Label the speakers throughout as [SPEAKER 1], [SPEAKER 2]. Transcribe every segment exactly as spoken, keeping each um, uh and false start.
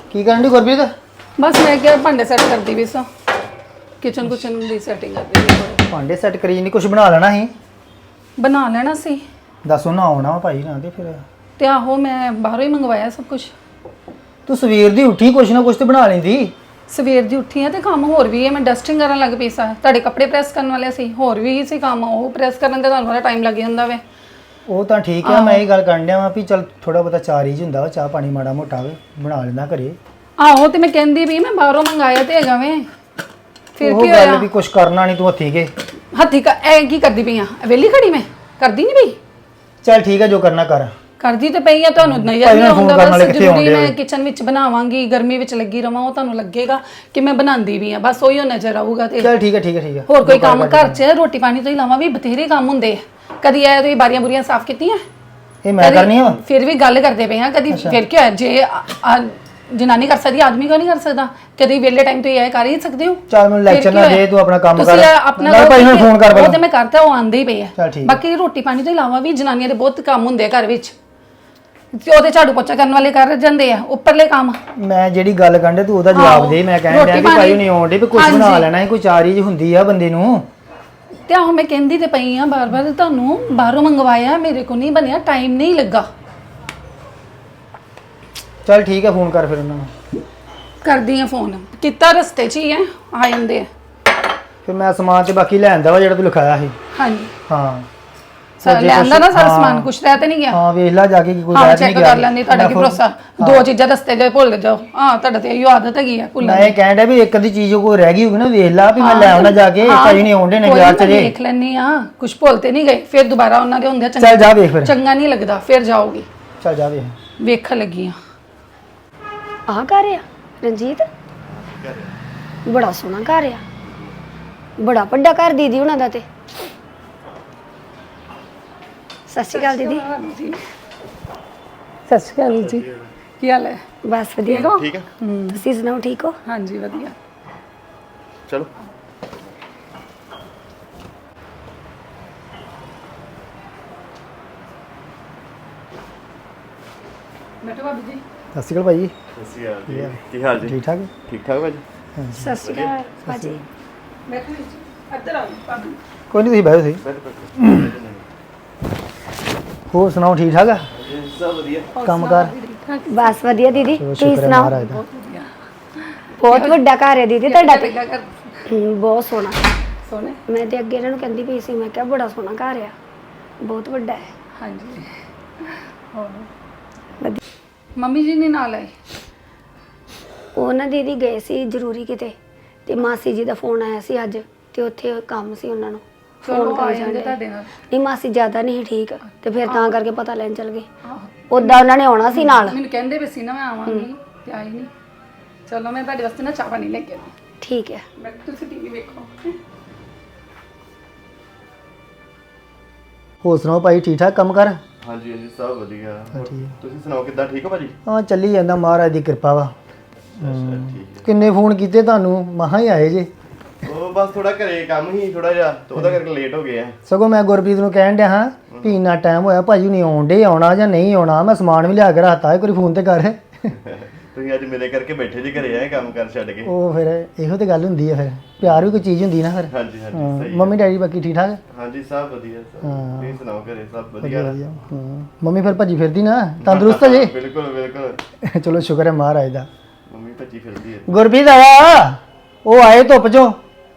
[SPEAKER 1] ਕੀ ਕਰਨ ਦੀ ਗੁਰਪ੍ਰੀਤ?
[SPEAKER 2] बस मैं क्या भांडे सैट करती भी सा किचन कुचन की सैटिंग करती भी
[SPEAKER 1] ਭਾਂਡੇ ਸੈੱਟ ਕਰੀ ਨਹੀਂ ਕੁਝ ਬਣਾ ਲੈਣਾ ਸੀ।
[SPEAKER 2] बना लेना सी
[SPEAKER 1] ਦੱਸ ਉਹਨਾਂ ਆਉਣਾ ਵਾ ਭਾਈ ਨਾ ਤੇ ਫਿਰ
[SPEAKER 2] ਤੇ ਆਹੋ ਮੈਂ ਬਾਹਰੋਂ ਹੀ ਮੰਗਵਾਇਆ ਸਭ ਕੁਝ।
[SPEAKER 1] ਤੂੰ ਸਵੇਰ ਦੀ ਉੱਠੀ ਕੁਛ ਨਾ ਕੁਛ ਤੇ ਬਣਾ ਲੈਂਦੀ।
[SPEAKER 2] ਸਵੇਰ ਦੀ ਉੱਠੀ ਆ ਤੇ ਕੰਮ ਹੋਰ ਵੀ ਹੈ। ਮੈਂ ਡਸਟਿੰਗ ਕਰਨ ਲੱਗ ਪਈ ਸਾਂ। ਤੁਹਾਡੇ ਕੱਪੜੇ ਪ੍ਰੈਸ ਕਰਨ ਵਾਲੇ ਸੀ, ਹੋਰ ਵੀ ਸੀ ਕੰਮ। ਉਹ ਪ੍ਰੈਸ ਕਰਨ ਤੇ ਤੁਹਾਨੂੰ ਬੜਾ ਟਾਈਮ ਲੱਗ ਜਾਂਦਾ ਵੇ।
[SPEAKER 1] ਉਹ ਤਾਂ ਠੀਕ ਆ, ਮੈਂ ਇਹ ਗੱਲ ਕਰਨ ਡਿਆ ਵਾਂ ਵੀ ਚੱਲ ਥੋੜਾ ਬਹੁਤਾ ਚਾਰ ਹੀ ਹੁੰਦਾ ਵਾ, ਚਾਹ ਪਾਣੀ ਮਾੜਾ ਮੋਟਾ ਵੇ ਬਣਾ ਲੈਂਦਾ ਘਰੇ।
[SPEAKER 2] ਆਹੋ ਤੇ ਮੈਂ ਕਹਿੰਦੀ ਵੀ ਮੈਂ ਬਾਹਰੋਂ ਮੰਗਾਇਆ ਤੇ ਹੈਗਾ ਵੇ। ਫਿਰ
[SPEAKER 1] ਉਹ
[SPEAKER 2] ਕੀ
[SPEAKER 1] ਗੱਲ
[SPEAKER 2] ਹੋਇਆ?
[SPEAKER 1] ਵੀ ਕੁਛ ਕਰਨਾ ਨਹੀਂ ਤੂੰ ਹੱਥੀ ਕੇ
[SPEAKER 2] ਹੱਥੀ ਕਾ ਐ ਕੀ ਕਰਦੀ ਪਈ ਆ? ਵੇਲੀ ਖੜੀ ਮੈਂ ਕਰਦੀ ਨਹੀਂ ਪਈ।
[SPEAKER 1] ਚੱਲ ਠੀਕ ਆ ਜੋ ਕਰਨਾ ਕਰ।
[SPEAKER 2] ਕਰਦੀ ਤੇ ਪਈ ਆ, ਤੁਹਾਨੂੰ ਨਜ਼ਰ ਨਹੀਂ ਆਉਂਦਾ। ਬਸ ਜ਼ਰੂਰੀ ਮੈਂ ਕਿਚਨ ਵਿੱਚ ਬਣਾਵਾਂਗੀ, ਗਰਮੀ ਵਿੱਚ ਲੱਗੀ ਰਵਾਂ, ਉਹ ਤੁਹਾਨੂੰ ਲੱਗੇਗਾ ਕਿ ਮੈਂ ਬਣਾਉਂਦੀ ਵੀ ਆ। ਬਸ ਉਹੀ ਨਜ਼ਰ ਆਊਗਾ। ਤੇ
[SPEAKER 1] ਚੱਲ ਠੀਕ ਹੈ ਠੀਕ ਹੈ ਠੀਕ ਹੈ।
[SPEAKER 2] ਹੋਰ ਕੋਈ ਕੰਮ ਘਰ 'ਚ ਰੋਟੀ ਪਾਣੀ ਤੋਂ ਇਲਾਵਾ ਵੀ ਬਥੇਰੇ ਕੰਮ ਹੁੰਦੇ ਆ। ਕਦੀ ਐ ਤੁਸੀਂ ਬਾਰੀਆਂ ਬੁਰੀਆਂ ਸਾਫ਼ ਕੀਤੀਆਂ?
[SPEAKER 1] ਇਹ ਮੈਂ ਕਰਨੀ ਆ।
[SPEAKER 2] ਫਿਰ ਵੀ ਗੱਲ ਕਰਦੇ ਪਏ ਆ। ਕਦੀ ਫਿਰ ਕੀ ਹੋਇਆ? ਜੇ ਜਨਾਨੀ ਕਰ ਸਕਦੀ, ਆਦਮੀ ਕਿਉਂ ਨਹੀਂ ਕਰ ਸਕਦਾ? ਕਦੀ ਵੇਲੇ ਟਾਈਮ ਤੋਂ ਇਹ ਕਰ ਹੀ ਸਕਦੇ ਹੋ।
[SPEAKER 1] ਚੱਲ ਮੈਨੂੰ ਲੈਕਚਰ ਨਾ ਦੇ, ਤੂੰ ਆਪਣਾ ਕੰਮ ਕਰ।
[SPEAKER 2] ਤੁਸੀਂ ਆਪਣਾ
[SPEAKER 1] ਨਾਲ ਭਾਈ ਨੂੰ ਫੋਨ ਕਰ
[SPEAKER 2] ਉਹ ਤੇ ਮੈਂ ਕਰਤਾ, ਉਹ ਆਂਦੇ ਹੀ ਪਏ ਆ।
[SPEAKER 1] ਚੱਲ ਠੀਕ।
[SPEAKER 2] ਬਾਕੀ ਰੋਟੀ ਪਾਣੀ ਤੋਂ ਇਲਾਵਾ ਵੀ ਜਨਾਨੀਆਂ ਦੇ ਬਹੁਤ ਕੰਮ ਹੁੰਦੇ ਆ ਘਰ ਵਿੱਚ। ਉਹਦੇ ਝਾੜੂ ਪੋਚਾ ਕਰਨ ਵਾਲੇ ਕਰ ਜਾਂਦੇ ਆ, ਉੱਪਰਲੇ ਕੰਮ।
[SPEAKER 1] ਮੈਂ ਜਿਹੜੀ ਗੱਲ ਕਰਨ ਤੂੰ ਉਹਦਾ ਜਵਾਬ ਦੇ। ਮੈਂ ਕਹਿਣ ਡਿਆ ਕਿ ਭਾਈ ਨਹੀਂ ਆਉਂਦੇ ਵੀ ਕੁਝ ਬਣਾ ਲੈਣਾ ਹੈ, ਕੋਈ ਚਾਰ ਚੀਜ਼ ਹੁੰਦੀ ਆ ਬੰਦੇ ਨੂੰ।
[SPEAKER 2] ਤੇ ਆਹੋ ਮੈਂ ਕਹਿੰਦੀ ਤੇ ਪਈ ਆ ਬਾਰ ਬਾਰ, ਤੁਹਾਨੂੰ ਬਾਹਰੋਂ ਮੰਗਵਾਇਆ, ਮੇਰੇ ਕੋ ਨਹੀਂ ਬਣਿਆ, ਟਾਈਮ ਨਹੀਂ ਲੱਗਾ।
[SPEAKER 1] ਚੱਲ ਠੀਕ ਹੈ, ਫੋਨ ਕਰ ਫਿਰ ਉਹਨਾਂ ਨੂੰ।
[SPEAKER 2] ਕਰਦੀ ਆ ਫੋਨ। ਕੀਤਾ ਰਸਤੇ 'ਚ ਹੀ ਹੈ, ਆ ਜਾਂਦੇ ਆ।
[SPEAKER 1] ਫਿਰ ਮੈਂ ਸਮਾਨ ਤੇ ਬਾਕੀ ਲੈ ਆਂਦਾ ਵਾ ਜਿਹੜਾ ਤੂੰ ਲਿਖਾਇਆ ਸੀ।
[SPEAKER 2] ਹਾਂਜੀ
[SPEAKER 1] ਹਾਂ
[SPEAKER 2] ਸਰ ਲੈ ਆਂਦਾ ਨਾ ਸਾਰਾ ਸਮਾਨ, ਕੁਛ ਰਹਿ ਤੇ ਨਹੀਂ ਗਿਆ?
[SPEAKER 1] ਹਾਂ ਵੇਖ ਲੈ ਜਾ ਕੇ, ਕੋਈ
[SPEAKER 2] ਹਾਂ
[SPEAKER 1] ਰਹਿ
[SPEAKER 2] ਚੈੱਕ
[SPEAKER 1] ਨਹੀਂ ਗਿਆ।
[SPEAKER 2] ਕਰ ਲੈਂਦੀ। ਤੁਹਾਡਾ ਕੀ ਭਰੋਸਾ? ਦੋ ਚੀਜ਼ਾਂ ਰਸਤੇ 'ਚ ਭੁੱਲ ਜਾਓ। ਹਾਂ ਤੁਹਾਡਾ ਤੇ ਇਹੋ ਆਦਤ ਹੈਗੀ ਆ ਭੁੱਲਣ ਦੀ।
[SPEAKER 1] ਮੈਂ ਕਹਿਣ ਡਿਆ ਵੀ ਇੱਕ ਅੱਧੀ ਚੀਜ਼ ਕੋਈ ਰਹਿ ਗਈ ਹੋਊਗੀ ਨਾ, ਵੇਖ ਲੈ ਵੀ ਮੈਂ ਲੈ ਆਉਣਾ ਜਾ ਕੇ। ਭਾਈ ਨਹੀਂ ਆਉਂਦੇ ਨੇ ਬਾਜ਼ਾਰ 'ਚ ਜੇ।
[SPEAKER 2] ਦੇਖ ਲੈਣੀ ਆ, ਕੁਛ ਭੁੱਲ ਤੇ ਨਹੀਂ ਗਏ। ਫਿਰ ਦੁਬਾਰਾ ਉਹਨਾਂ ਦੇ ਹੁੰਦੇ ਆ।
[SPEAKER 1] ਚੱਲ ਜਾ ਵੇਖ ਫਿਰ।
[SPEAKER 2] ਚੰਗਾ ਨਹੀਂ ਲੱਗਦਾ, ਫਿਰ ਜਾਓਗੀ।
[SPEAKER 1] ਚੱਲ ਜਾ ਵੇਖ।
[SPEAKER 2] ਵੇਖਣ ਲੱਗੀ ਆ।
[SPEAKER 3] ਆਹ ਘਰ ਆ ਰਣਜੀਤ? ਬੜਾ ਸੋਹਣਾ ਘਰ ਆ, ਬੜਾ ਵੱਡਾ ਘਰ ਦੀਦੀ ਉਹਨਾਂ ਦਾ। ਤੇ ਸਤਿ ਸ਼੍ਰੀ ਅਕਾਲ ਦੀਦੀ।
[SPEAKER 2] ਸਤਿ ਸ਼੍ਰੀ ਅਕਾਲ ਜੀ, ਕੀ ਹਾਲ ਹੈ?
[SPEAKER 3] ਬਸ ਵਧੀਆ।
[SPEAKER 4] ਠੀਕ ਹੈ,
[SPEAKER 3] ਤੁਸੀਂ ਸੁਣਾਓ, ਠੀਕ ਹੋ?
[SPEAKER 2] ਹਾਂਜੀ ਵਧੀਆ।
[SPEAKER 4] ਚਲੋ
[SPEAKER 2] ਬੈਠੋ ਭਾਬੀ ਜੀ।
[SPEAKER 1] ਸਤਿ ਸ਼੍ਰੀ ਅਕਾਲ ਭਾਈ।
[SPEAKER 4] ਸਤਿ ਸ਼੍ਰੀ ਅਕਾਲ ਜੀ। ਕੀ ਹਾਲ ਜੀ?
[SPEAKER 1] ਠੀਕ ਠਾਕ?
[SPEAKER 4] ਠੀਕ ਠਾਕ ਭਾਜੀ।
[SPEAKER 3] ਸਤਿ ਸ਼੍ਰੀ ਅਕਾਲ ਭਾਜੀ।
[SPEAKER 2] ਬੈਠੋ ਜੀ, ਇੱਧਰ ਆਓ ਭਾਬੀ।
[SPEAKER 1] ਕੋਈ ਨਹੀਂ, ਤੁਸੀਂ ਬੈਠੋ ਤੁਸੀਂ।
[SPEAKER 4] ਬੈਠੋ ਬੈਠੋ।
[SPEAKER 1] ਹੋਰ ਸੁਣਾਓ, ਠੀਕ ਠਾਕ ਆ?
[SPEAKER 4] ਸਭ ਵਧੀਆ।
[SPEAKER 1] ਕੰਮ ਕਰ?
[SPEAKER 3] ਬਸ ਵਧੀਆ ਦੀਦੀ,
[SPEAKER 1] ਚਲੋ
[SPEAKER 3] ਤੁਸੀਂ
[SPEAKER 1] ਸ਼ੁਕਰ ਹੈ
[SPEAKER 3] ਸੁਣਾਓ।
[SPEAKER 1] ਮਹਾਰਾਜ ਦਾ।
[SPEAKER 2] ਬਹੁਤ ਵਧੀਆ।
[SPEAKER 3] ਬਹੁਤ ਵੱਡਾ ਘਰ ਹੈ ਦੀਦੀ ਤੁਹਾਡਾ ਤੇ।
[SPEAKER 2] ਪਹਿਲਾਂ ਕਰ
[SPEAKER 3] ਹਮ, ਬਹੁਤ ਸੋਹਣਾ।
[SPEAKER 2] ਸੋਹਣੇ।
[SPEAKER 3] ਮੈਂ ਤੇ ਅੱਗੇ ਇਹਨਾਂ ਨੂੰ ਕਹਿੰਦੀ ਪਈ ਸੀ, ਮੈਂ ਕਿਹਾ ਬੜਾ ਸੋਹਣਾ ਘਰ ਆ, ਬਹੁਤ ਵੱਡਾ ਹੈ।
[SPEAKER 2] ਹਾਂਜੀ ਹੋਰ
[SPEAKER 3] ਵਧੀਆ।
[SPEAKER 2] ਮੰਮੀ ਜੀ ਨੇ ਨਾਲ ਆਏ?
[SPEAKER 3] ਉਹ ਨਾ ਦੀਦੀ ਗਏ ਸੀ ਜ਼ਰੂਰੀ ਕਿਤੇ, ਤੇ ਮਾਸੀ ਜੀ ਦਾ ਫੋਨ ਆਇਆ ਸੀ ਅੱਜ, ਤੇ ਉੱਥੇ ਕੰਮ ਸੀ ਉਹਨਾਂ ਨੂੰ।
[SPEAKER 2] ਚਲੋ ਆ
[SPEAKER 3] ਕਰੀ
[SPEAKER 2] ਜਾਂਦੇ
[SPEAKER 3] ਜਾਂਦੇ।
[SPEAKER 2] ਤੁਹਾਡੇ ਨਾਲ।
[SPEAKER 3] ਨਹੀਂ ਮਾਸੀ ਜ਼ਿਆਦਾ ਨਹੀਂ ਠੀਕ, ਤੇ ਫਿਰ ਤਾਂ ਕਰਕੇ ਪਤਾ ਲੈਣ ਚਲ ਗਏ। ਉਦਾਂ ਉਹਨਾਂ ਨੇ ਆਉਣਾ ਸੀ ਨਾਲ।
[SPEAKER 2] ਮੈਨੂੰ ਕਹਿੰਦੇ ਵੀ ਸੀ ਨਾ ਮੈਂ ਆਵਾਂਗੀ, ਤੇ ਆਈ ਨਹੀਂ। ਚਲੋ ਮੈਂ ਤੁਹਾਡੇ ਵਾਸਤੇ ਨਾ ਚਾਹ ਪਾਣੀ ਲੈ ਕੇ ਆਈ।
[SPEAKER 3] ਠੀਕ ਹੈ।
[SPEAKER 2] ਮੈਂ ਤੁਸੀਂ ਟੀਵੀ ਵੇਖੋ।
[SPEAKER 1] ਹੋਰ ਸੁਣਾਓ ਭਾਈ, ਠੀਕ ਠਾਕ ਕੰਮ ਕਰ?
[SPEAKER 4] ਹਾਂਜੀ ਹਾਂਜੀ ਸਭ ਵਧੀਆ। ਹੋਰ ਤੁਸੀਂ ਸੁਣਾਓ, ਕਿੱਦਾਂ? ਠੀਕ ਹੋ ਭਾਜੀ?
[SPEAKER 1] ਹਾਂ ਚੱਲੀ ਜਾਂਦਾ, ਮਹਾਰਾਜ ਦੀ ਕਿਰਪਾ ਵਾ।
[SPEAKER 4] ਅੱਛਾ ਠੀਕ
[SPEAKER 1] ਕਿੰਨੇ ਫੋਨ ਕੀਤੇ ਤੁਹਾਨੂੰ, ਮਸਾਂ ਹੀ ਆਏ ਜੇ।
[SPEAKER 4] ਹੈ। ਉਹ ਬਸ ਥੋੜਾ ਘਰੇ ਕੰਮ ਹੀ ਥੋੜਾ ਜਿਹਾ, ਤੇ ਉਹਦਾ ਕਰਕੇ ਲੇਟ ਹੋ ਗਏ ਆ।
[SPEAKER 1] ਸਗੋਂ ਮੈਂ ਗੁਰਪ੍ਰੀਤ ਨੂੰ ਕਹਿਣ ਡਿਆ ਹਾਂ ਵੀ ਇੰਨਾ ਟਾਈਮ ਹੋਇਆ, ਭਾਜੀ ਨਹੀਂ ਆਉਂਦੇ, ਆਉਣਾ ਜਾਂ ਨਹੀਂ ਆਉਣਾ। ਮੈਂ ਸਮਾਨ ਵੀ ਲਿਆ ਕੇ ਰੱਖਤਾ, ਇੱਕ ਵਾਰੀ ਫੋਨ ਤੇ ਕਰ।
[SPEAKER 4] ਤੁਸੀਂ ਅੱਜ ਮੇਰੇ ਕਰਕੇ ਬੈਠੇ ਜੀ ਘਰੇ ਆਏ ਕੰਮ ਕਰ ਛੱਡ ਕੇ।
[SPEAKER 1] ਉਹ ਫਿਰ ਇਹੋ ਤੇ ਗੱਲ ਹੁੰਦੀ ਆ, ਫਿਰ ਪਿਆਰ ਵੀ ਕੋਈ ਚੀਜ਼ ਹੁੰਦੀ ਨਾ ਫਿਰ।
[SPEAKER 4] ਹਾਂਜੀ ਹਾਂਜੀ
[SPEAKER 1] ਹਾਂ,
[SPEAKER 4] ਸਹੀ।
[SPEAKER 1] ਮੰਮੀ ਡੈਡੀ ਬਾਕੀ ਠੀਕ ਠਾਕ?
[SPEAKER 4] ਹਾਂਜੀ ਸਭ ਵਧੀਆ ਸਭ।
[SPEAKER 1] ਹਾਂ।
[SPEAKER 4] ਤੁਸੀਂ ਸੁਣਾਓ, ਘਰੇ ਸਭ ਵਧੀਆ?
[SPEAKER 1] ਵਧੀਆ। ਹਾਂ, ਮੰਮੀ ਫਿਰ ਭੱਜੀ ਫਿਰਦੀ ਨਾ, ਤੰਦਰੁਸਤ ਜੇ?
[SPEAKER 4] ਬਿਲਕੁਲ ਬਿਲਕੁਲ।
[SPEAKER 1] ਚਲੋ ਸ਼ੁਕਰ ਹੈ ਮਹਾਰਾਜ ਦਾ।
[SPEAKER 4] ਮੰਮੀ ਭੱਜੀ ਫਿਰਦੀ ਹੈ।
[SPEAKER 1] ਗੁਰਪ੍ਰੀਤ ਆਇਆ, ਉਹ ਆਏ ਧੁੱਪ ਚੋਂ।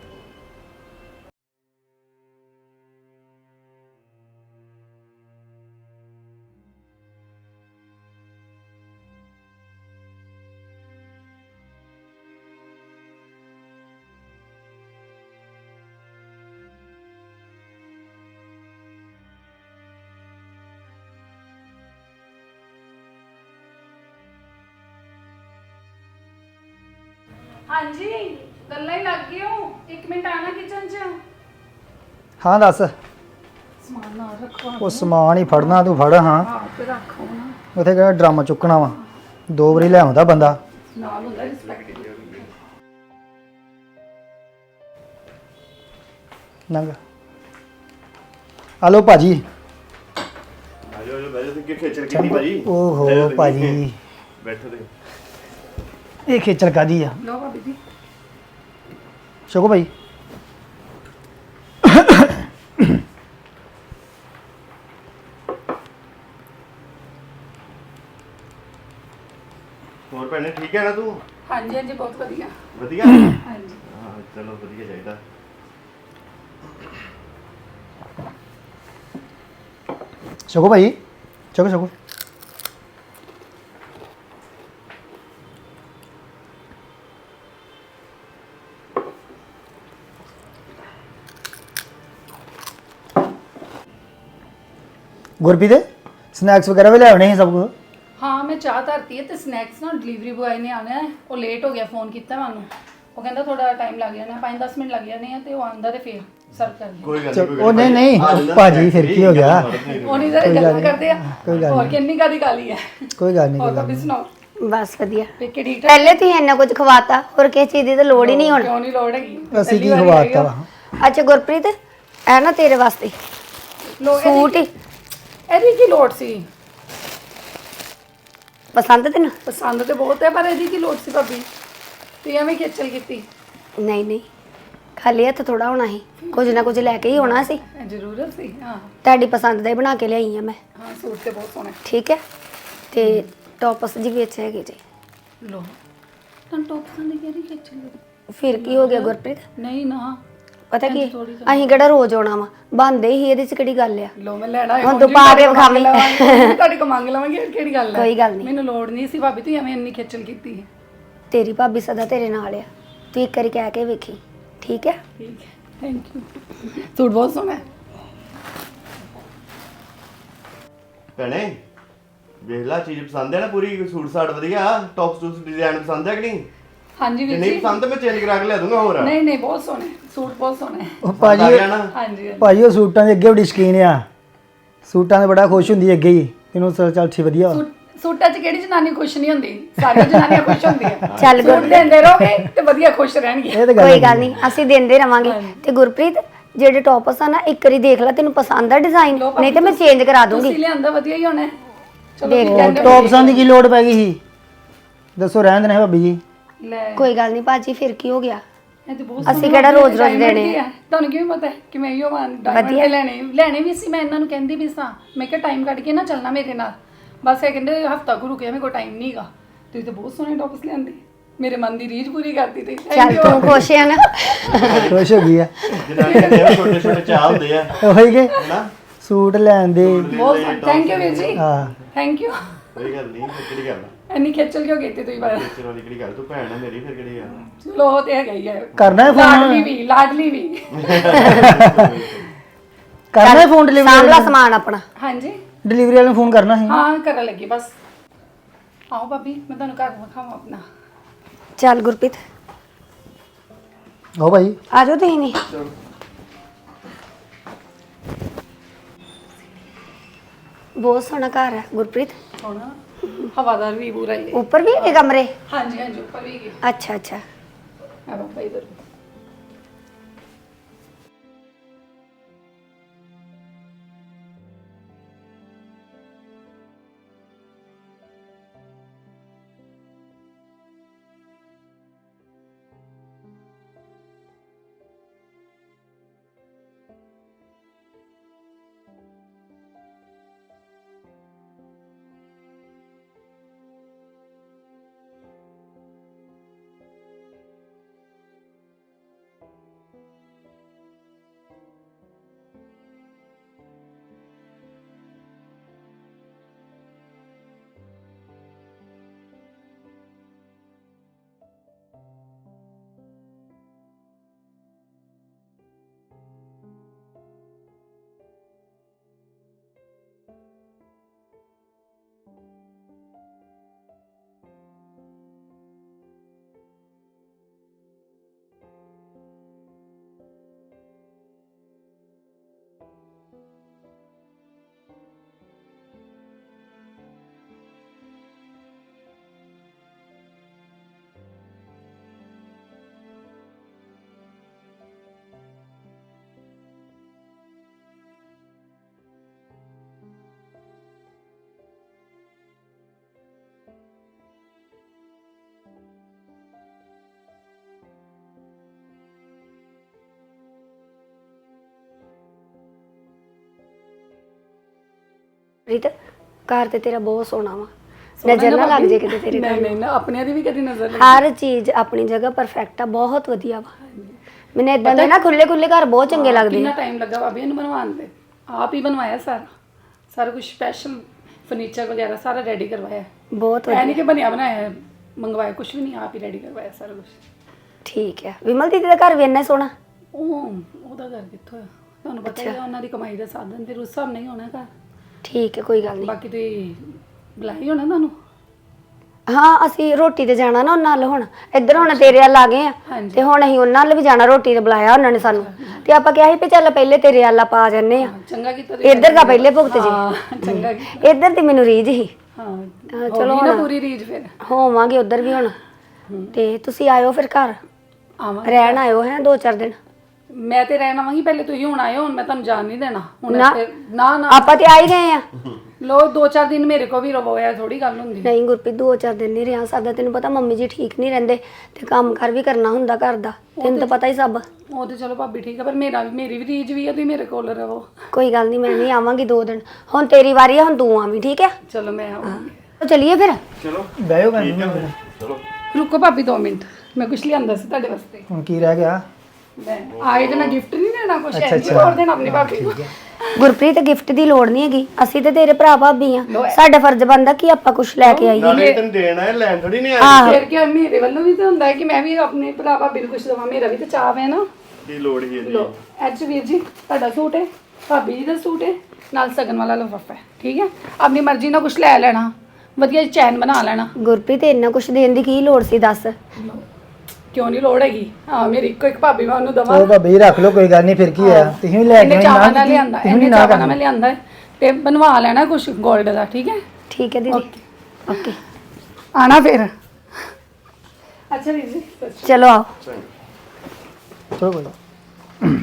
[SPEAKER 2] ਹਾਂਜੀ ਗੱਲਾਂ ਹੀ ਲੱਗ ਗਈ ਹੋ। ਇੱਕ ਮਿੰਟ ਆਣਾ ਕਿਚਨ 'ਚ।
[SPEAKER 1] ਹਾਂ ਦੱਸ।
[SPEAKER 2] ਸਮਾਨ ਨਾ ਰੱਖੋ।
[SPEAKER 1] ਉਹ ਸਮਾਨ ਹੀ ਫੜਨਾ, ਤੂੰ ਫੜ। ਹਾਂ
[SPEAKER 2] ਹਾਂ ਤੇ ਰੱਖੋ ਨਾ,
[SPEAKER 1] ਉੱਥੇ ਕਿਹੜਾ ਡਰਾਮਾ ਚੁੱਕਣਾ ਵਾ, ਦੋ ਵਾਰੀ ਲੈ ਆਉਂਦਾ ਬੰਦਾ।
[SPEAKER 2] ਨਾਲ ਹੁੰਦਾ ਰਿਸਪੈਕਟ।
[SPEAKER 1] ਨੰਗ ਹਲੋ ਭਾਜੀ।
[SPEAKER 4] ਆਜੋ ਆਜੋ ਬੈਠੋ। ਤੁਸੀਂ ਕਿ ਖੇਚਲ ਕੀਤੀ ਭਾਜੀ?
[SPEAKER 1] ਓਹੋ ਭਾਜੀ,
[SPEAKER 4] ਬੈਠੋ ਤੁਸੀਂ।
[SPEAKER 1] ਇਹ ਖੇਚਲ ਕਾਦੀ ਆ
[SPEAKER 2] ਲਓ ਭਾਬੀ ਜੀ
[SPEAKER 1] ਸ਼ੁਕੋ ਭਾਈ
[SPEAKER 4] ਹੋਰ ਭੈਣੇ ਠੀਕ ਹੈ ਨਾ ਤੂੰ
[SPEAKER 2] ਹਾਂਜੀ ਹਾਂਜੀ ਬਹੁਤ ਵਧੀਆ
[SPEAKER 4] ਵਧੀਆ
[SPEAKER 2] ਹਾਂਜੀ
[SPEAKER 4] ਹਾਂ ਚਲੋ ਵਧੀਆ ਚਾਹੀਦਾ
[SPEAKER 1] ਸ਼ੁਕੋ ਭਾਈ ਸ਼ੁਕੋ ਸ਼ੁਕੋ ਗੁਰਪ੍ਰੀਤ ਸਨੈਕਸ ਵਗੈਰਾ ਵੀ ਲੈ ਆਉਣੇ ਸੀ ਸਭ ਕੁਝ
[SPEAKER 2] ਹਾਂ ਮੈਂ ਚਾਹ ਧਰਤੀ ਹੈ ਤੇ ਸਨੈਕਸ ਨਾ ਡਿਲੀਵਰੀ ਬੁਆਏ ਨੇ ਆਉਣਾ ਹੈ ਉਹ ਲੇਟ ਹੋ ਗਿਆ ਫੋਨ ਕੀਤਾ ਮੈਂ ਉਹਨੂੰ ਉਹ ਕਹਿੰਦਾ ਥੋੜਾ ਟਾਈਮ ਲੱਗ ਜਾਣਾ ਪੰਜ ਦਸ ਮਿੰਟ ਲੱਗ ਜਾਣੇ ਆ ਤੇ ਉਹ ਆਂਦਾ ਤੇ ਫਿਰ ਸਰਵ ਕਰ ਦੇ
[SPEAKER 4] ਕੋਈ ਗੱਲ
[SPEAKER 1] ਚੱਲ,
[SPEAKER 4] ਨਹੀਂ
[SPEAKER 1] ਉਹ ਨਹੀਂ ਨਹੀਂ ਭਾਜੀ ਫਿਰ ਕੀ ਹੋ ਗਿਆ
[SPEAKER 2] ਉਹ ਨਹੀਂ ਜ਼ਰਾ ਗੱਲਾਂ ਕਰਦੇ ਆ
[SPEAKER 1] ਕੋਈ ਗੱਲ
[SPEAKER 2] ਹੋਰ ਕਿੰਨੀ ਕਾਦੀ ਗਾਲੀ ਹੈ
[SPEAKER 1] ਕੋਈ ਗੱਲ ਨਹੀਂ
[SPEAKER 2] ਹੋਰ
[SPEAKER 1] ਕੋਈ ਗੱਲ
[SPEAKER 2] ਭਾਬੀ ਸੁਣਾਓ
[SPEAKER 3] ਬਸ ਵਧੀਆ
[SPEAKER 2] ਤੇ ਕਿ ਠੀਕ ਠਾਕ
[SPEAKER 3] ਪਹਿਲੇ ਤੁਸੀਂ ਇੰਨਾ ਕੁਝ ਖਵਾਤਾ ਹੋਰ ਕਿਸੇ ਚੀਜ਼ ਦੀ ਤਾਂ ਲੋੜ ਹੀ ਨਹੀਂ ਹੁਣ
[SPEAKER 2] ਕਿਉਂ ਨਹੀਂ ਲੋੜ ਹੈਗੀ
[SPEAKER 1] ਨਹੀਂ। ਅਸੀਂ
[SPEAKER 2] ਪਹਿਲੀ
[SPEAKER 1] ਕੀ
[SPEAKER 2] ਵਾਰੀ
[SPEAKER 1] ਖਵਾਤਾ
[SPEAKER 2] ਆਈ
[SPEAKER 1] ਵਾ
[SPEAKER 2] ਆ।
[SPEAKER 3] ਅੱਛਾ ਗੁਰਪ੍ਰੀਤ ਇਹ ਨਾ ਤੇਰੇ ਵਾਸਤੇ
[SPEAKER 2] ਲੋ
[SPEAKER 3] ਸੂਟ ਹੀ
[SPEAKER 2] ਇਹਦੀ ਕੀ ਲੋੜ ਸੀ
[SPEAKER 3] ਪਸੰਦ ਤੈਨੂੰ
[SPEAKER 2] ਪਸੰਦ ਤੇ ਬਹੁਤ ਹੈ ਪਰ ਇਹਦੀ ਕੀ ਲੋੜ ਸੀ ਭਾਬੀ ਤੇ ਐਵੇਂ ਖੇਚਲ ਕੀਤੀ
[SPEAKER 3] ਨਹੀਂ ਨਹੀਂ ਖਾਲੀ ਹੱਥ ਥੋੜਾ ਹੋਣਾ ਸੀ ਕੁਝ ਨਾ ਕੁਝ ਲੈ ਕੇ ਹੀ ਆਉਣਾ ਸੀ
[SPEAKER 2] ਇਹ ਜ਼ਰੂਰਤ ਸੀ ਹਾਂ
[SPEAKER 3] ਤੁਹਾਡੀ ਪਸੰਦ ਦਾ ਹੀ ਬਣਾ ਕੇ ਲਿਆਈ ਆ ਮੈਂ
[SPEAKER 2] ਹਾਂ ਸੂਟ ਤੇ ਬਹੁਤ ਸੋਹਣਾ
[SPEAKER 3] ਠੀਕ ਹੈ ਤੇ ਟੌਪਸ ਜੀ ਵਿੱਚ ਹੈਗੇ ਜੀ
[SPEAKER 2] ਲੋ ਤਾਂ ਟੋਪ ਪਸੰਦ ਕਿਹੜੀ ਖੇਚਲ ਕੀਤੀ?
[SPEAKER 3] ਫਿਰ ਕੀ ਹੋ ਗਿਆ ਗੁਰਪ੍ਰੀਤ
[SPEAKER 2] ਨਹੀਂ ਨਾ
[SPEAKER 3] ਪਤਾ ਕੀ ਅਸੀਂ ਕਿਹੜਾ ਰੋਜ਼ ਆਉਣਾ ਵਾ ਬੰਦੇ ਹੀ ਇਹਦੇ ਚ ਕਿਹੜੀ ਗੱਲ ਆ
[SPEAKER 2] ਲੋ ਮੈਂ ਲੈਣਾ ਹੈ
[SPEAKER 3] ਹੁਣ ਤੂੰ ਪਾ ਕੇ ਵਿਖਾ ਲਈ।
[SPEAKER 2] ਤੁਹਾਡੇ ਕੋ ਮੰਗ ਲਵਾਂਗੇ ਕਿਹੜੀ ਗੱਲ ਹੈ
[SPEAKER 3] ਕੋਈ ਗੱਲ ਨਹੀਂ
[SPEAKER 2] ਮੈਨੂੰ ਲੋੜ ਨਹੀਂ ਸੀ ਭਾਬੀ ਤੂੰ ਐਵੇਂ ਇੰਨੀ ਖੇਚਲ ਕੀਤੀ ਹੈ
[SPEAKER 3] ਤੇਰੀ ਭਾਬੀ ਸਦਾ ਤੇਰੇ ਨਾਲ ਆ ਤੂੰ ਇੱਕ ਵਾਰੀ ਕਹਿ ਕੇ ਵੇਖੀ ਠੀਕ ਹੈ
[SPEAKER 2] ਠੀਕ ਹੈ ਥੈਂਕ ਯੂ ਸੂਟ ਬਹੁਤ ਸੋਹਣਾ ਹੈ
[SPEAKER 4] ਭੈਣੇ ਵੇਖ ਲਾ ਚੀਜ਼ ਪਸੰਦ ਹੈ ਨਾ ਪੂਰੀ ਸੂਟ ਸਾਟ ਵਧੀਆ ਟੌਪ ਸੂਟ ਡਿਜ਼ਾਈਨ ਪਸੰਦ ਹੈ ਕਿ ਨਹੀਂ
[SPEAKER 2] ਹਾਂਜੀ
[SPEAKER 4] ਜੇ
[SPEAKER 2] ਵੀਰ
[SPEAKER 4] ਨਹੀਂ
[SPEAKER 2] ਜੀ
[SPEAKER 4] ਪਸੰਦ ਤਾਂ ਮੈਂ ਚੇਂਜ ਕਰਾ ਕੇ ਲਿਆ ਦੂੰਗਾ ਹੋਰ
[SPEAKER 2] ਨਹੀਂ ਨਹੀਂ ਬਹੁਤ ਸੋਹਣੇ ਸੂਟ ਬਹੁਤ ਸੋਹਣੇ
[SPEAKER 1] ਉਹ
[SPEAKER 4] ਪਸੰਦ ਆ
[SPEAKER 1] ਭਾਜੀ
[SPEAKER 4] ਗਿਆ ਨਾ
[SPEAKER 2] ਹਾਂਜੀ ਹਾਂਜੀ।
[SPEAKER 1] ਭਾਜੀ ਉਹ ਸੂਟਾਂ ਦੇ ਅੱਗੇ ਬੜੀ ਸ਼ਕੀਨ ਆ ਸੂਟਾਂ ਦੇ ਬੜਾ ਖੁਸ਼ ਹੁੰਦੀ ਅੱਗੇ ਹੀ ਤੈਨੂੰ ਚੱਲ ਚੱਲ ਠੀਕ ਵਧੀਆ ਵਾ।
[SPEAKER 2] ਸੂਟ ਸੂਟਾਂ 'ਚ ਕਿਹੜੀ ਜਨਾਨੀ ਖੁਸ਼ ਨਹੀਂ ਹੁੰਦੀ ਸਾਰੀਆਂ ਜਨਾਨੀਆਂ ਖੁਸ਼ ਹੁੰਦੀਆਂ
[SPEAKER 3] ਚੱਲ
[SPEAKER 2] ਸੂਟ ਦਿੰਦੇ ਰਹੋਗੇ ਤੇ ਵਧੀਆ ਖੁਸ਼ ਰਹਿਣਗੇ
[SPEAKER 1] ਇਹ ਤਾਂ ਗੱਲ
[SPEAKER 3] ਕੋਈ ਗੱਲ ਨਹੀਂ ਅਸੀਂ ਦਿੰਦੇ ਰਵਾਂਗੇ ਤੇ ਗੁਰਪ੍ਰੀਤ ਜਿਹੜੇ ਟੌਪਸ ਆ ਨਾ ਇੱਕ ਵਾਰੀ ਦੇਖ ਲੈ ਤੈਨੂੰ ਪਸੰਦ ਆ ਡਿਜ਼ਾਈਨ
[SPEAKER 2] ਲਓ ਭਾਬੀ,
[SPEAKER 3] ਨਹੀਂ ਤੇ ਮੈਂ ਚੇਂਜ ਕਰਾ ਦੂੰਗੀ
[SPEAKER 2] ਤੁਸੀਂ ਲਿਆਂਦਾ ਵਧੀਆ ਹੀ ਹੋਣਾ ਹੈ। ਚਲੋ
[SPEAKER 3] ਦੇਖ
[SPEAKER 2] ਠੀਕ
[SPEAKER 3] ਲੈ,
[SPEAKER 2] ਹੈ,
[SPEAKER 1] ਟੌਪਸਾਂ ਦੀ ਕੀ ਲੋੜ ਪੈ ਗਈ ਸੀ ਦੱਸੋ ਰਹਿਣ ਦੇਣਾ ਭਾਬੀ ਜੀ
[SPEAKER 2] ਲੈ
[SPEAKER 3] ਕੋਈ ਗੱਲ ਨਹੀਂ ਭਾਜੀ ਫਿਰ ਕੀ ਹੋ ਗਿਆ
[SPEAKER 2] ਇਹ ਤੇ ਬਹੁਤ
[SPEAKER 3] ਅਸੀਂ
[SPEAKER 2] ਸੋਹਣੇ
[SPEAKER 3] ਕਿਹੜਾ
[SPEAKER 2] ਲੱਗਦੇ
[SPEAKER 3] ਰੋਜ਼-ਰੋਜ਼
[SPEAKER 2] diamond
[SPEAKER 3] ਦੇਣੇ
[SPEAKER 2] ਕੀ ਹੈ? ਤੁਹਾਨੂੰ ਕਿਵੇਂ ਪਤਾ ਹੈ ਕਿ ਮੈਂ ਇਹੋ ਵਾਂ ਡਾਇਮੰਡ ਤੇ ਲੈਣੇ ਲੈਣੇ ਵੀ ਸੀ ਮੈਂ ਇਹਨਾਂ ਨੂੰ ਕਹਿੰਦੀ ਵੀ ਸਾਂ ਮੈਂ ਕਿਹਾ ਟਾਈਮ ਕੱਢ ਕੇ ਨਾ ਚੱਲਣਾ ਮੇਰੇ ਨਾਲ ਬਸ ਇਹ ਕਹਿੰਦੇ ਹਫਤਾ ਗੁਰੂ ਕੇ ਮੇਰੇ ਕੋਲ ਟਾਈਮ ਨਹੀਂਗਾ ਤੁਸੀਂ ਤਾਂ ਬਹੁਤ ਸੋਹਣੇ ਟੌਪਸ ਲਿਆਂਦੇ ਮੇਰੇ ਮਨ ਦੀ ਰੀਝ ਪੂਰੀ ਕਰਤੀ ਤੇ
[SPEAKER 3] ਚੱਲ ਤੂੰ ਖੁਸ਼ ਆ ਨਾ
[SPEAKER 1] ਖੁਸ਼ ਹੋ ਗਈ ਆ
[SPEAKER 4] ਜਨਾਨੀਆਂ ਦੇ ਛੋਟੇ ਛੋਟੇ ਚਾਹ ਹੁੰਦੇ ਆ
[SPEAKER 1] ਉਹੀ ਕਿ
[SPEAKER 4] ਹੈਨਾ
[SPEAKER 1] ਸੂਟ ਲੈਣ ਦੇ
[SPEAKER 2] ਬਹੁਤ ਥੈਂਕ ਯੂ ਵੀਰ ਜੀ
[SPEAKER 1] ਹਾਂ
[SPEAKER 2] ਥੈਂਕ ਯੂ
[SPEAKER 4] ਕੋਈ ਗੱਲ ਨਹੀਂ ਫਿਰ ਕਿਹੜੀ ਗੱਲ ਆ
[SPEAKER 2] ਇੰਨੀ ਖੇਚਲ ਕਿਉਂ ਕੀਤੀ ਤੁਸੀਂ ਬਾਹਰ
[SPEAKER 4] ਟੀਚਰ ਵਾਲੀ ਕਿਹੜੀ ਗੱਲ ਤੂੰ ਭੈਣ ਆ ਮੇਰੀ ਫਿਰ ਕਿਹੜੀ ਗੱਲ
[SPEAKER 2] ਚਲੋ ਉਹ ਤੇ ਹੈਗਾ ਹੀ ਹੈ
[SPEAKER 1] ਕਰਨਾ ਹੈ
[SPEAKER 2] ਲਾਡਲੀ
[SPEAKER 1] ਫੋਨ
[SPEAKER 2] ਵੀ ਲਾਡਲੀ ਵੀ
[SPEAKER 1] ਕਰਨਾ ਹੈ ਫੋਨ ਡਿਲੀਵਰੀ
[SPEAKER 3] ਸਾਂਭਲਾ ਸਮਾਨ ਆਪਣਾ
[SPEAKER 2] ਹਾਂਜੀ
[SPEAKER 1] ਡਿਲੀਵਰੀ ਵਾਲੇ ਨੂੰ ਫੋਨ ਕਰਨਾ ਸੀ
[SPEAKER 2] ਹਾਂ ਕਰਨ ਲੱਗੀ ਬਸ ਆਓ ਭਾਬੀ ਮੈਂ ਤੁਹਾਨੂੰ ਘਰ ਵਿਖਾਵਾਂ ਆਪਣਾ
[SPEAKER 3] ਚੱਲ ਗੁਰਪ੍ਰੀਤ
[SPEAKER 1] ਹੋ ਭਾਈ
[SPEAKER 3] ਆ ਜਾਓ ਤੁਸੀਂ ਨਹੀਂ ਬਹੁਤ ਸੋਹਣਾ ਘਰ ਹੈ ਗੁਰਪ੍ਰੀਤ
[SPEAKER 2] ਹੁਣ ਹਵਾਦਾਰ ਵੀ ਪੂਰਾ ਹੀ ਹੈ
[SPEAKER 3] ਉੱਪਰ ਵੀ ਹੈਗੇ ਕਮਰੇ
[SPEAKER 2] ਹਾਂਜੀ ਹਾਂਜੀ ਉੱਪਰ ਵੀ ਗਏ
[SPEAKER 3] ਅੱਛਾ ਅੱਛਾ
[SPEAKER 2] ਆ ਬਾਬਾ ਇਧਰ
[SPEAKER 3] ਗੁਰਪ੍ਰੀਤ ਘਰ ਤੇ ਤੇਰਾ ਬਹੁਤ ਸੋਹਣਾ ਵਾ ਨਜ਼ਰ ਨਾ ਲੱਗ ਜੇ ਕਿਤੇ ਤੇਰੇ
[SPEAKER 2] ਨਹੀਂ ਨਹੀਂ ਨਾ ਆਪਣਿਆਂ ਦੀ ਵੀ ਕਦੀ ਨਜ਼ਰ ਲੱਗੀ
[SPEAKER 3] ਹਰ ਚੀਜ਼ ਆਪਣੀ ਜਗ੍ਹਾ ਪਰਫੈਕਟ ਆ ਬਹੁਤ ਵਧੀਆ ਵਾ ਮੈਨੂੰ ਇਦਾਂ ਦੇ ਨਾ ਖੁੱਲੇ ਖੁੱਲੇ ਘਰ ਬਹੁਤ ਚੰਗੇ ਲੱਗਦੇ
[SPEAKER 2] ਕਿੰਨਾ
[SPEAKER 3] ਆ
[SPEAKER 2] ਟਾਈਮ ਲੱਗਾ ਭਾਬੀ ਇਹਨੂੰ ਬਣਵਾਉਣ ਦੇ ਆਪ ਹੀ ਬਣਵਾਇਆ ਸਾਰਾ ਸਾਰਾ ਕੁਝ ਸਪੈਸ਼ਲ ਫਰਨੀਚਰ ਵਗੈਰਾ ਸਾਰਾ ਰੈਡੀ ਕਰਵਾਇਆ
[SPEAKER 3] ਬਹੁਤ
[SPEAKER 2] ਐ
[SPEAKER 3] ਵਧੀਆ
[SPEAKER 2] ਨਹੀਂ ਕਿ ਬਣਿਆ ਬਣਾਇਆ ਹੈ, ਮੰਗਵਾਇਆ ਕੁਝ ਵੀ ਨਹੀਂ ਆਪ ਹੀ ਰੈਡੀ ਕਰਵਾਇਆ ਸਾਰਾ ਕੁਝ
[SPEAKER 3] ਠੀਕ ਹੈ ਵਿਮਲ ਦੀਦੀ ਦਾ ਘਰ ਵੀ ਇੰਨਾ ਸੋਹਣਾ
[SPEAKER 2] ਉਹ ਉਹਦਾ ਘਰ ਕਿੱਥੋਂ ਹੈ ਤੁਹਾਨੂੰ ਪਤਾ ਹੀ ਹੈ ਉਹਨਾਂ ਦੀ ਕਮਾਈ ਦਾ ਸਾਧਨ ਫਿਰ ਉਸ ਹਿਸਾਬ ਨਹੀਂ ਹੋਣਾ ਘਰ
[SPEAKER 3] ਠੀਕ ਹੈ ਕੋਈ ਗੱਲ ਨਹੀਂ
[SPEAKER 2] ਬਾਕੀ ਤੁਸੀਂ ਬੁਲਾਈ ਹੋਣਾ ਤੁਹਾਨੂੰ
[SPEAKER 3] ਹਾਂ ਅਸੀਂ ਰੋਟੀ ਤੇ ਜਾਣਾ ਨਾ ਉਹਨਾਂ ਨਾਲ ਹੁਣ ਇੱਧਰ ਹੁਣ ਤੇਰੇ ਵੱਲ ਆ ਗਏ ਆ
[SPEAKER 2] ਹਾਂਜੀ।
[SPEAKER 3] ਤੇ ਹੁਣ ਅਸੀਂ ਉਹਨਾਂ ਨਾਲ ਵੀ ਜਾਣਾ ਰੋਟੀ ਤੇ ਬੁਲਾਇਆ ਉਹਨਾਂ ਨੇ ਸਾਨੂੰ ਤੇ ਆਪਾਂ ਕਿਹਾ ਸੀ ਵੀ ਚੱਲ ਪਹਿਲੇ ਤੇਰੇ ਵੱਲ ਆਪਾਂ ਆ ਜੰਨੇ ਆ
[SPEAKER 2] ਚੰਗਾ ਕੀਤਾ ਤੁਸੀਂ
[SPEAKER 3] ਇੱਧਰ ਦਾ ਪਹਿਲੇ ਭੁਗਤ ਜੀ
[SPEAKER 2] ਹਾਂ ਚੰਗਾ ਕੀਤਾ
[SPEAKER 3] ਇੱਧਰ ਤੇ ਮੈਨੂੰ ਰੀਝ ਹੀ
[SPEAKER 2] ਹਾਂ
[SPEAKER 3] ਹਾਂ,
[SPEAKER 2] ਚਲੋ ਨਾ ਪੂਰੀ ਰੀਜ ਫਿਰ
[SPEAKER 3] ਹੋਵਾਂਗੇ ਉੱਧਰ ਵੀ ਹੁਣ ਤੇ ਤੁਸੀਂ ਆਇਓ ਫਿਰ ਘਰ
[SPEAKER 2] ਆਵਾਂ
[SPEAKER 3] ਰਹਿਣ ਆਇਓ ਹੈ ਦੋ ਚਾਰ ਦਿਨ
[SPEAKER 2] ਮੈਂ ਤੇ ਰਹਿਣ ਆਵਾਂਗੀ ਪਹਿਲੇ ਤੁਸੀਂ ਹੁਣ ਆਇਓ ਹੁਣ ਮੈਂ ਤੁਹਾਨੂੰ ਜਾਣ ਨਹੀਂ ਦੇਣਾ ਹੁਣ
[SPEAKER 3] ਨਾ।
[SPEAKER 2] ਇੱਥੇ- ਨਾ ਨਾ
[SPEAKER 3] ਆਪਾਂ ਤੇ ਆ ਹੀ ਗਏ ਆ
[SPEAKER 2] ਲੋ ਦੋ ਚਾਰ ਦਿਨ ਮੇਰੇ ਕੋ ਵੀ ਰਵੋਇਆ ਥੋੜੀ ਗੱਲ ਹੁੰਦੀ
[SPEAKER 3] ਨਹੀਂ ਗੁਰਪ੍ਰੀਤ ਦੋ ਚਾਰ ਦਿਨ ਨਹੀਂ ਰਿਹਾ ਸਕਦਾ ਤੈਨੂੰ ਪਤਾ ਮੰਮੀ ਜੀ ਠੀਕ ਨਹੀਂ ਰਹਿੰਦੇ ਤੇ ਕੰਮ ਕਰ ਵੀ ਕਰਨਾ ਹੁੰਦਾ ਘਰ ਦਾ ਤੈਨੂੰ ਤਾਂ ਪਤਾ ਹੀ ਸਭ
[SPEAKER 2] ਉਹ ਤੇ ਚਲੋ ਭਾਬੀ ਠੀਕ ਹੈ ਪਰ ਮੇਰਾ ਵੀ ਮੇਰੀ ਵੀ ਰੀਜ ਵੀ ਹੈ ਤੁਸੀਂ ਮੇਰੇ ਕੋਲ ਰਵੋ
[SPEAKER 3] ਕੋਈ ਗੱਲ ਨਹੀਂ ਮੈਂ ਵੀ ਆਵਾਂਗੀ ਦੋ ਦਿਨ ਹੁਣ ਤੇਰੀ ਵਾਰੀ ਆ ਹੁਣ ਤੂੰ ਆਵੀਂ ਠੀਕ ਹੈ
[SPEAKER 2] ਚਲੋ ਮੈਂ ਆਵਾਂਗੀ
[SPEAKER 3] ਚਲਿਏ ਫਿਰ
[SPEAKER 4] ਚਲੋ
[SPEAKER 1] ਬਹਿਓ ਭੈਣ ਜੀ
[SPEAKER 4] ਚਲੋ
[SPEAKER 2] ਰੁਕੋ ਭਾਬੀ ਦੋ ਮਿੰਟ ਮੈਂ ਕੁਛ ਲਿਆਂਦਾ ਸੀ ਤੁਹਾਡੇ ਵਾਸਤੇ
[SPEAKER 1] ਹੁਣ ਕੀ ਰਹਿ ਗਿਆ
[SPEAKER 2] ਮੈਂ ਆਏ ਤੇ ਮੈਂ ਗਿਫਟ ਨਹੀਂ ਦੇਣਾ ਕੁਛ
[SPEAKER 1] ਅੱਛਾ,
[SPEAKER 2] ਐਂ
[SPEAKER 1] ਅੱਛਾ।
[SPEAKER 2] ਹੋਰ ਦੇਣਾ ਆਪਣੀ ਭਾਬੀ ਨੂੰ
[SPEAKER 3] ਗੁਰਪ੍ਰੀਤ ਗਿਫਟ ਦੀ ਲੋੜ ਨਹੀਂ ਹੈਗੀ ਅਸੀਂ ਤੇ ਤੇਰੇ ਭਰਾ ਭਾਬੀ ਆ ਸਾਡਾ ਫਰਜ਼ ਬਣਦਾ ਕਿ ਆਪਾਂ ਕੁਝ ਲੈ ਕੇ ਆਈਏ
[SPEAKER 4] ਨਾਲੇ ਤੈਨੂੰ ਦੇਣਾ ਹੈ ਲੈਣ ਥੋੜੀ ਨਹੀਂ ਆਇਆ
[SPEAKER 2] ਫਿਰ ਕੀ ਮੇਰੇ ਵੱਲੋਂ ਵੀ ਤਾਂ ਹੁੰਦਾ ਹੈ ਕਿ ਮੈਂ ਵੀ ਆਪਣੇ ਭਰਾ ਭਾਬੀ ਨੂੰ ਕੁਛ ਦਵਾਂ ਮੇਰਾ ਵੀ ਤਾਂ ਚਾਅ ਹੈ ਨਾ
[SPEAKER 4] ਕੀ ਲੋੜ ਹੀ ਇਹਦੀ
[SPEAKER 2] ਲੋ ਐਚ ਵੀਰ ਜੀ ਤੁਹਾਡਾ ਸੂਟ ਹੈ ਭਾਬੀ ਜੀ ਦਾ ਸੂਟ ਹੈ ਨਾਲ ਸਗਨ ਵਾਲਾ ਲਿਫਾਫਾ ਹੈ ਠੀਕ ਹੈ ਆਪਣੀ ਮਰਜ਼ੀ ਨਾਲ ਕੁਛ ਲੈ ਲੈਣਾ ਵਧੀਆ ਚੈਨ ਬਣਾ ਲੈਣਾ
[SPEAKER 3] ਗੁਰਪ੍ਰੀਤ ਇੰਨਾ ਕੁਝ ਦੇਣ ਦੀ ਕੀ ਲੋੜ ਸੀ ਦੱਸ
[SPEAKER 2] ਕਿਉਂ ਨਹੀਂ ਲੋੜ ਹੈਗੀ ਹਾਂ ਮੇਰੀ ਇੱਕੋ ਇੱਕ ਭਾਬੀ ਮੈਂ ਉਹਨੂੰ ਦਵਾਂ
[SPEAKER 1] ਚਲੋ ਭਾਬੀ ਰੱਖ ਲਓ ਕੋਈ ਗੱਲ ਨਹੀਂ ਫਿਰ ਕੀ ਆ ਤੁਸੀਂ ਵੀ ਲੈ ਕੇ
[SPEAKER 2] ਇਹਨੇ
[SPEAKER 1] ਆਉਣੀ,
[SPEAKER 2] ਚਾਵਾਂ
[SPEAKER 1] ਨਾ
[SPEAKER 2] ਨਾਲ
[SPEAKER 1] ਕੀਤੀ,
[SPEAKER 2] ਲਿਆਂਦਾ
[SPEAKER 1] ਤੁਸੀਂ ਵੀ
[SPEAKER 2] ਇਹਨੇ
[SPEAKER 1] ਨਾ
[SPEAKER 2] ਚਾਵਾਂ ਨਾਲ
[SPEAKER 1] ਕਰਨੀ।
[SPEAKER 2] ਮੈਂ ਲਿਆਂਦਾ ਹੈ ਤੇ ਬਣਵਾ ਲੈਣਾ ਕੁਛ 골ਡ ਦਾ ਠੀਕ ਹੈ
[SPEAKER 3] ਠੀਕ ਹੈ ਦੀਦੀ ਓਕੇ
[SPEAKER 2] ਆਣਾ ਫਿਰ ਅੱਛਾ ਵੀਰ ਜੀ ਸਤਿ ਸ਼੍ਰੀ
[SPEAKER 3] ਚਲੋ ਆਓ
[SPEAKER 1] ਚਲੋ ਕੋਈ ਨੀ।